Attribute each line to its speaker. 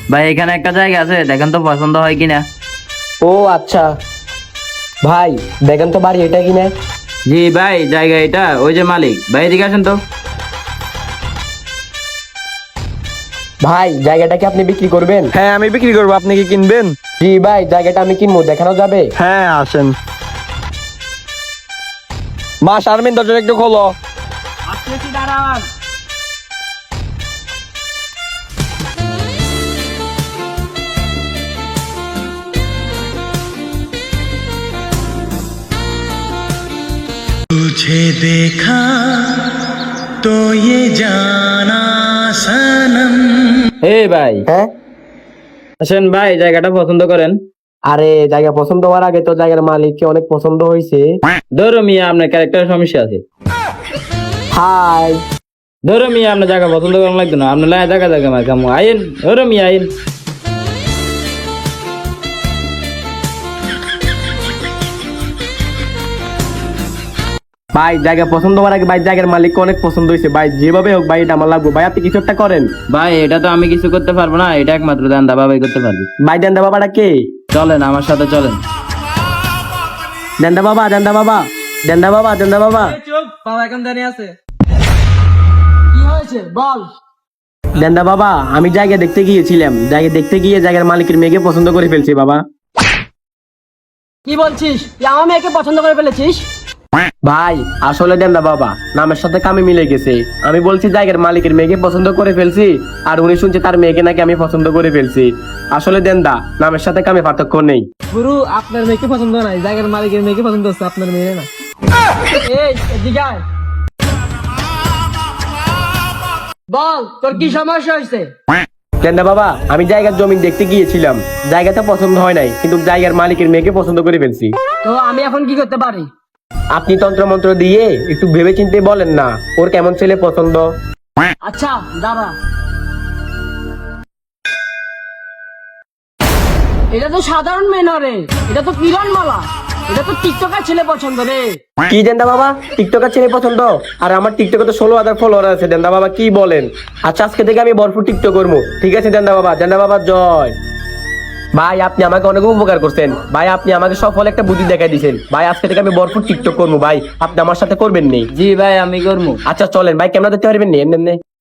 Speaker 1: ভাই এখানে একটা জায়গা আছে, দেখেন তো পছন্দ হয় কিনা।
Speaker 2: ও আচ্ছা ভাই, দেখেন তো বাড়ি এটা কিনা।
Speaker 1: জি ভাই, জায়গা এটা, ওই যে মালিক। ভাই এদিকে আসেন তো।
Speaker 2: ভাই জায়গাটা কি আপনি বিক্রি করবেন?
Speaker 3: হ্যাঁ আমি বিক্রি করবো, আপনি কি কিনবেন?
Speaker 2: জি ভাই, জায়গাটা আমি কিনবো, দেখানো যাবে?
Speaker 3: হ্যাঁ আসেন। মা শারমিন দরজাটা একটু খোলো।
Speaker 4: तुझे देखा तो ये जाना सनम।
Speaker 1: এই ভাই
Speaker 2: হ্যাঁ,
Speaker 1: আসেন ভাই, জায়গাটা পছন্দ করেন।
Speaker 2: আরে জায়গা পছন্দ হওয়ার আগে তো জায়গার মালিককে অনেক পছন্দ হয়েছে।
Speaker 1: ধরো মিয়া, আপনার ক্যারেক্টারের সমস্যা আছে।
Speaker 2: হাই,
Speaker 1: ধরো মিয়া, আপনার জায়গা পছন্দ করার লাগতো না, আপনার লাই জায়গা জায়গা মার কামো আইন। ধরো মিয়া আইন।
Speaker 2: ভাই জায়গা পছন্দ হওয়ার আগে ভাই জায়গার মালিককে অনেক পছন্দ হয়েছে ভাই, যেভাবে হোক ভাই এটা আমার লাগবে ভাই, আপনি কিছু একটা করেন।
Speaker 1: ভাই এটা তো আমি কিছু করতে পারবো না, এটা একমাত্র দান্দা বাবাই করতে পারবে।
Speaker 2: ভাই দেন্দা বাবাটা কে?
Speaker 1: চলেন আমার সাথে চলেন।
Speaker 2: দেন্দা বাবা, দেন্দা বাবা, দেন্দা বাবা, দেন্দা বাবা। দেন্দা বাবা, আমি জায়গা দেখতে গিয়েছিলাম, জায়গা দেখতে গিয়ে জায়গার মালিকের মেয়েকে পছন্দ করে ফেলছি বাবা।
Speaker 5: কি বলছিস? তুই আমার মেয়েকে পছন্দ করে ফেলেছিস?
Speaker 2: ভাই আসলে দেন্দা বাবা নামের সাথে কামে মিলে গেছে, আমি বলছি জায়গার মালিকের মেয়েকে পছন্দ করে ফেলছি, আর উনি শুনছে তার মেয়েকে নাকি আমি পছন্দ করে ফেলছি। আসলে দেন্দা নামের সাথে কামে পার্থক্য নেই।
Speaker 5: গুরু, আপনার মেয়েকে পছন্দ নাই, জায়গার মালিকের মেয়েকে পছন্দ হচ্ছে, আপনার মেয়ে না। এই এদিকে আয়। বল, তোর কি সমস্যা হয়েছে?
Speaker 2: দেন্দা বাবা, আমি জায়গার জমি দেখতে গিয়েছিলাম, জায়গাটা পছন্দ হয় নাই, কিন্তু জায়গার মালিকের মেয়েকে পছন্দ করে ফেলছি।
Speaker 5: তো আমি এখন কি করতে পারি?
Speaker 2: আপনি তন্ত্র মন্ত্র দিয়ে একটু ভেবে চিন্তে বলেন না, ওর কেমন ছেলে পছন্দ।
Speaker 5: আচ্ছা দাঁড়া। এটা তো সাধারণ মেয়ে না রে, এটা তো কিরণমালা, এটা তো টিকটকার ছেলে পছন্দ রে।
Speaker 2: কি দেন্দা বাবা, টিকটকার ছেলে পছন্দ? আর আমার টিকটকে তো 16,000 ফলোয়ার আছে দেন্দা বাবা, কি বলেন? আচ্ছা আজকে থেকে আমি ভরপুর টিকটক করবো, ঠিক আছে দেন্দা বাবা? দেন্দা বাবা জয়। ভাই আপনি আমাকে অনেক উপকার করছেন ভাই, আপনি আমাকে সফল একটা বুদ্ধি দেখাই দিয়েছেন ভাই, আজকে থেকে আমি ভরপুর টিকটক করবো ভাই, আপনি আমার সাথে করবেন নি?
Speaker 1: জি ভাই আমি করবো।
Speaker 2: আচ্ছা চলেন ভাই, ক্যামেরা দেখতে পারবেন নি এমনি এমনি?